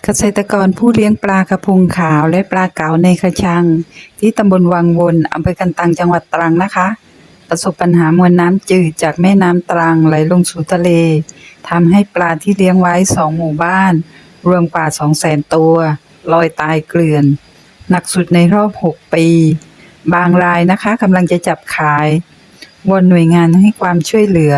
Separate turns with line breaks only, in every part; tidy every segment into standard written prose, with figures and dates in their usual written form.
เกษตรกรผู้เลี้ยงปลากระพงขาวและปลาเก๋าในกระชังที่ตำบลวังวนอำเภอกันตังจังหวัดตรังนะคะประสบปัญหามวลน้ำจืดจากแม่น้ำตรังไหลลงสู่ทะเลทำให้ปลาที่เลี้ยงไว้2 หมู่บ้านรวมกว่า 200,000 ตัวลอยตายเกลื่อนหนักสุดในรอบ6 ปีบางรายนะคะกำลังจะจับขายวอนหน่วยงานให้ความช่วยเหลือ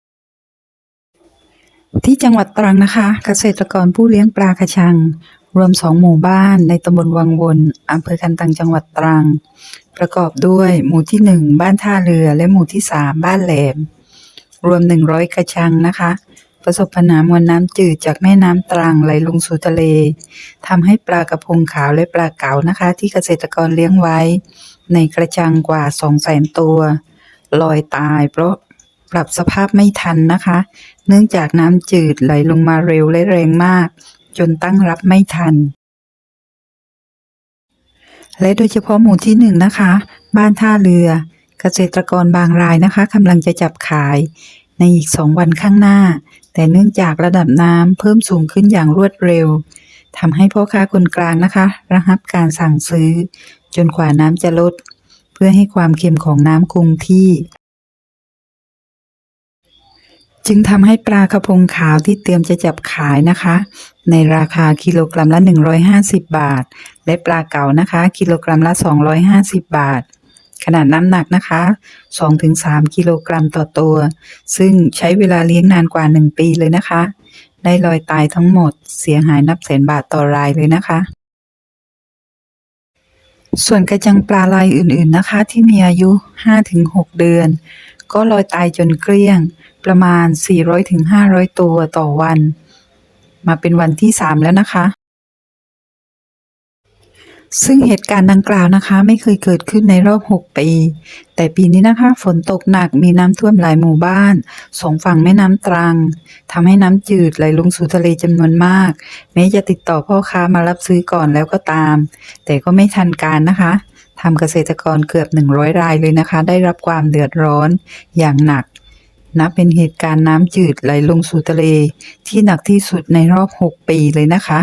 ที่จังหวัดตรังนะคะเกษตรกรผู้เลี้ยงปลากระชังรวม2 หมู่บ้านในตำบลวังวนอำเภอกันตังจังหวัดตรังประกอบด้วยหมู่ที่1บ้านท่าเรือและหมู่ที่3บ้านแหลมรวม100 กระชังนะคะประสบปัญหามวลน้ำจืดจากแม่น้ำตรังไหลลงสู่ทะเลทำให้ปลากระพงขาวและปลาเก๋านะคะที่เกษตรกรเลี้ยงไว้ในกระชังกว่า 200,000 ตัวลอยตายเพราะปรับสภาพไม่ทันนะคะเนื่องจากน้ำจืดไหลลงมาเร็วและแรงมากจนตั้งรับไม่ทันและโดยเฉพาะหมู่ที่1นะคะบ้านท่าเรือเกษตรกรบางรายนะคะกำลังจะจับขายในอีก2 วันข้างหน้าแต่เนื่องจากระดับน้ำเพิ่มสูงขึ้นอย่างรวดเร็วทำให้พ่อค้าคนกลางนะคะระงับการสั่งซื้อจนกว่าน้ำจะลดเพื่อให้ความเค็มของน้ำคงที่จึงทำให้ปลากระพงขาวที่เตรียมจะจับขายนะคะในราคากิโลกรัมละ150 บาทและปลาเก๋านะคะกิโลกรัมละ250 บาทขนาดน้ำหนักนะคะ 2-3 กิโลกรัมต่อตัวซึ่งใช้เวลาเลี้ยงนานกว่า1 ปีเลยนะคะได้ลอยตายทั้งหมดเสียหายนับแสนบาทต่อรายเลยนะคะส่วนกระจังปลารายอื่นๆนะคะที่มีอายุ 5-6 เดือนก็ลอยตายจนเกลี้ยงประมาณ 400-500 ตัวต่อวันมาเป็นวันที่3แล้วนะคะซึ่งเหตุการณ์ดังกล่าวนะคะไม่เคยเกิดขึ้นในรอบ6 ปีแต่ปีนี้นะคะฝนตกหนักมีน้ำท่วมหลายหมู่บ้าน2 ฝั่งแม่น้ำตรังทำให้น้ำจืดไหลลงสู่ทะเลจำนวนมากแม้จะติดต่อพ่อค้ามารับซื้อก่อนแล้วก็ตามแต่ก็ไม่ทันการนะคะทำเกษตรกรเกือบ100 รายเลยนะคะได้รับความเดือดร้อนอย่างหนักนับเป็นเหตุการณ์น้ำจืดไหลลงสู่ทะเลที่หนักที่สุดในรอบ6 ปีเลยนะคะ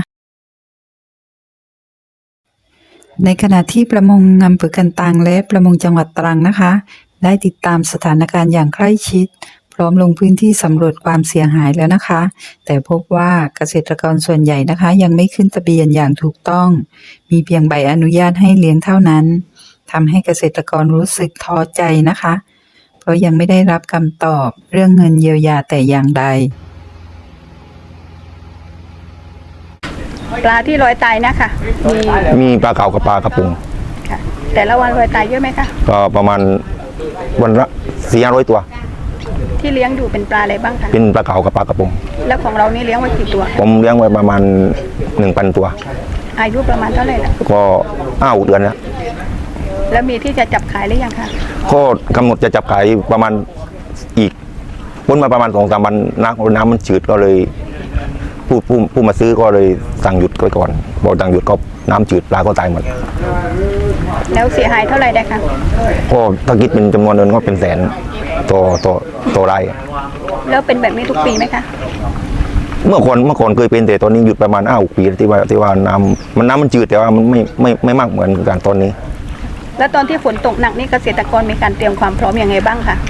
ในขณะที่ประมงอำเภอกันตังและประมงจังหวัดตรังนะคะได้ติดตามสถานการณ์อย่างใกล้ชิดพร้อมลงพื้นที่สำรวจความเสียหายแล้วนะคะแต่พบว่าเกษตรกรส่วนใหญ่นะคะยังไม่ขึ้นทะเบียนอย่างถูกต้องมีเพียงใบอนุญาตให้เลี้ยงเท่านั้นทำให้เกษตรกรรู้สึกท้อใจนะคะเพราะยังไม่ได้รับคำตอบเรื่องเงินเยียวยาแต่อย่างใด
ปลาที่ลอยตายนะคะ
มีปลาเก๋ากับปลากระพง
ค่ะแต่ละวันลอยตายเยอะไหมคะ
ก็ประมาณวันละ400 ตัว
ที่เลี้ยงอยู่เป็นปลาอะไรบ้างคะ
เป็นปลาเก๋ากับปลากระพง
แล้วของเรานี่เลี้ยงไว้กี่ตัว
ผมเลี้ยงไว้ประมาณ 1,000 ตัว
อายุประมาณเท่าไหร่ล่ะ
ก็5-6 เดือน
แล้วมีที่จะจับขายหรือยังคะ
ก็กำหนดจะจับขายประมาณอีกพ้นมาประมาณ2-3 วันน้ำมันจืดก็เลยผู้มาซื้อก็เลยสั่งหยุดไว้ก่อนพอสั่งหยุดก็น้ำจืดปลาก็ตายหมด
แล้วเสียหายเท่าไหร่ได้คะ
ก็ถ้าคิดเป็นจำนวนเงินก็เป็นแสนต่อไร่
แล้วเป็นแบบนี้ทุกปีไหมคะ
เมื่อก่อนเคยเป็นแต่ตอนนี้หยุดประมาณ5-6 ปีที่ว่าน้ำมันจืดแต่ว่ามันไม่มากเหมือนกันตอนนี้
แล้วตอนที่ฝนตกหนักนี่เกษตรกรมีการเตรียมความพร้อมยังไงบ้างคะ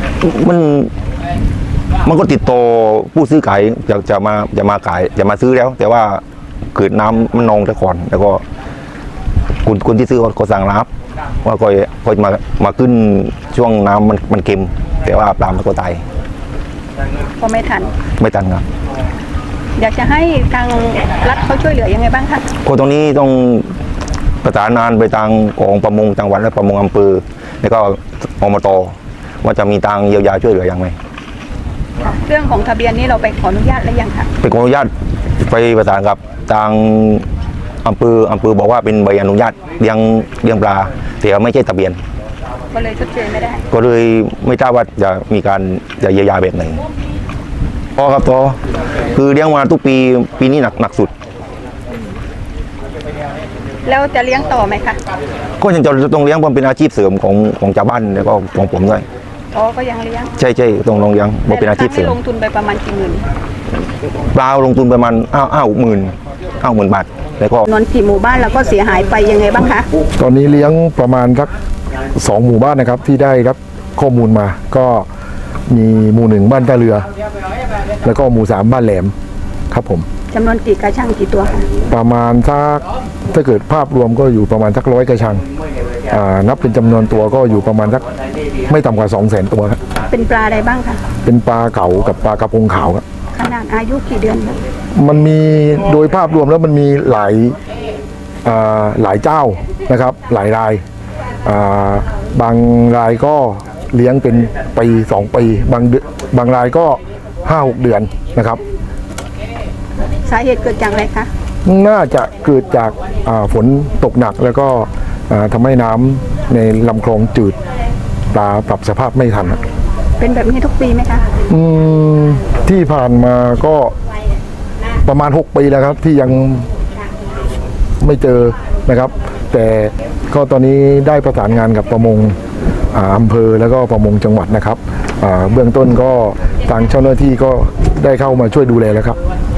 มันก็ติดต่อผู้ซื้อขายจะมาขายจะมาซื้อแล้วแต่ว่าเกิดน้ำมันนองซะก่อนแล้วก็คนที่ซื้อก็สั่งรับว่าก็มาขึ้นช่วงน้ำมันเค็มแต่ว่าปลามันก็ตาย
ก็ไม่ทัน
ครับ
อยากจะให้ทางรัฐเขาช่วยเหลือยังไงบ้างคะ
ตรงนี้ต้องประสานงานไปทางของประมงจังหวัดและประมงอำเภอแล้วก็อบต.ว่าจะมีทางเยียวยาช่วยเหลืออย่างไร
เรื่องของทะเบียนนี้เราไปขออนุญาตแล้วยังคะ
ไปขออนุญาตไปประสานกับทางอำเภอบอกว่าเป็นใบอนุญาตเลี้ยงปลาแต่ไม่ใช่ทะเบียน
ก็เลยชดเชยไม่ได้
ก็เลยไม่ทราบว่าจะมีการจะเยียวยาแบบไหนพอครับพอคือเลี้ยงมาทุกปีนี้หนักสุด
แล้วจะเลี้ยงต่อไหมคะ
ก็ยังจะต้องเลี้ยงเพราะเป็นอาชีพเสริมของชาวบ้านแล้วก็ของผมด้วย
ก็ยังเลี้ยง
ใช่ต้องลงเลี้ยงเพราะเป็นอาชีพเสริม
ลงทุนไปประมาณกี่หมื่น
ปลาลงทุนประมาณ50,000 50,000 บาทแล้วก็
จำนวนกี่หมู่บ้านแล้วก็เสียหายไปยังไงบ้างคะ
ตอนนี้เลี้ยงประมาณสัก2 หมู่บ้านนะครับที่ได้รับข้อมูลมาก็มีหมู่ 1บ้านท่าเรือ แล้วก็หมู่ 3บ้านแหลมครับผม
จำนวนกี่กระชังกี่ตัวคะ
ประมาณสักถ้าเกิดภาพรวมก็อยู่ประมาณสัก100 กระชังนับเป็นจำนวนตัวก็อยู่ประมาณสักไม่ต่ำกว่า 200,000 ตัวครับ
เป็นปลาอะไรบ้างคะ
เป็นปลาเก๋ากับปลากระพงขาวครับ
ขนาดอายุกี่เดือนคะ
มันมีโดยภาพรวมแล้วมันมีหลายเจ้านะครับหลายรายบางรายก็เลี้ยงเป็นปี2 ปีบางรายก็ 5-6 เดือนนะครับ
สาเหตุเกิดจากอะไรคะ
น่าจะเกิดจากฝนตกหนักแล้วก็ทำให้น้ำในลำคลองจืดปลาปรับสภาพไม่ทัน
เป็นแบบนี้ทุกปีไหมคะ
ที่ผ่านมาก็ประมาณ6 ปีแล้วครับที่ยังไม่เจอนะครับ แต่ก็ตอนนี้ได้ประสานงานกับประมงอำเภอแล้วก็ประมงจังหวัดนะครับเบื้องต้นก็ทางเจ้าหน้าที่ก็ได้เข้ามาช่วยดูแลแล้วครับ